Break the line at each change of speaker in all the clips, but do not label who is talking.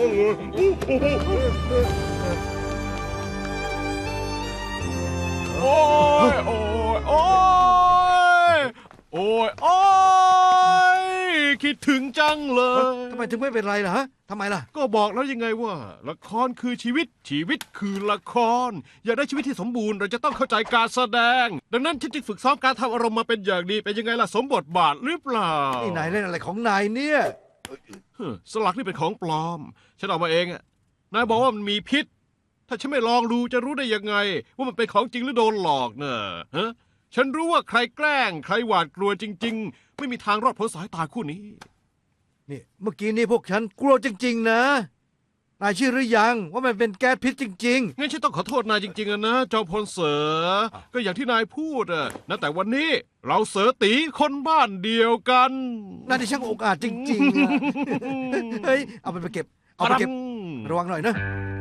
โอ้ยโอ้ยโอ้ยโอ้ยโอ้ยคิดถึงจังเลย
ทำไมถึงไม่เป็นไรล่ะฮะทำไมล่ะ
ก็บอกแล้วยังไงว่าละครคือชีวิตชีวิตคือละครอยากได้ชีวิตที่สมบูรณ์เราจะต้องเข้าใจการแสดงดังนั้นฉันจึงฝึกซ้อมการทำอารมณ์มาเป็นอย่างดีเป็นยังไงล่ะสมบทบาทหรือเปล่า
นี่นายเล่นอะไรของนายเนี่ย
สลักนี่เป็นของปลอมฉันเอามาเองอะนายบอกว่ามันมีพิษถ้าฉันไม่ลองดูจะรู้ได้ยังไงว่ามันเป็นของจริงหรือโดนหลอกเนอะฮะฉันรู้ว่าใครแกล้งใครหวาดกลัวจริงๆไม่มีทางรอดพ้นสายตาคู่นี้
นี่เมื่อกี้นี้พวกฉันกลัวจริงๆนะนายเชื่อหรือยังว่ามันเป็นแก๊สพิษจริงๆ
งั้นฉันต้องขอโทษนายจริงๆนะจอมพลเสือก็อย่างที่นายพูดอะนะแต่วันนี้เราเสือตีคนบ้านเดียวกัน
นายที่ช่างอกอาจจริงๆอะเฮ้ยเอาไปเก็บเอาไปเก็บระวังหน่อยนะ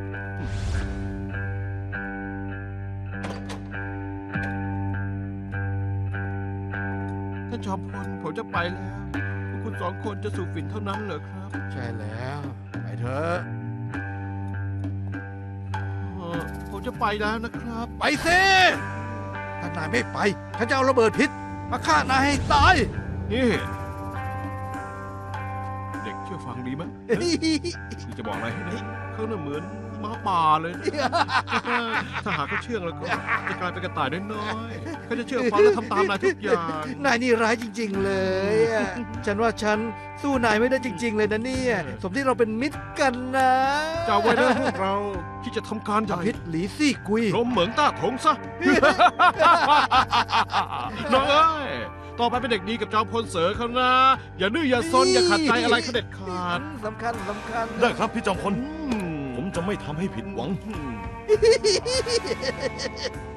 ท่านจอมพลผมจะไปแล้วพวกคุณสองคนจะสูบฝิ่นเท่านั้นเหรอครับ
ใช่แล้วไปเถอะ
ผมจะไปแล้วนะครับ
ไปสิถ้านายไม่ไปฉันจะเอาระเบิดพิษมาฆ่านายให้ตาย
นี่เด็กเชื่อฟังดีไหมคือจะบอกอะไรให้นะเขาน่ะเหมือนม้าป่าเลยถ้าหากเขาเชื่องแล้วก็จะกลายเป็นกระต่ายน้อยๆเขาจะเชื่อฟังและทำตามนายทุกอย่าง
นายนี่ร้ายจริงๆเลยฉันว่าฉันสู้นายไม่ได้จริงๆเลยนะเนี่ยสมที่เราเป็นมิตรกันนะ
จำไว้นะพวกเราที่จะทำการจับ
พิษหลีซี่กุย
ลมเหมืองต้าถงซะน้องเอ้ยต่อไปเป็นเด็กดีกับจอมพลเสือเขานะอย่าดื้ออย่าซนอย่าขัดใจอะไรเขาเด็ดขาด
สำคัญ
ได้ครับพี่จอมพลผมจะไม่ทำให้ผิดหวัง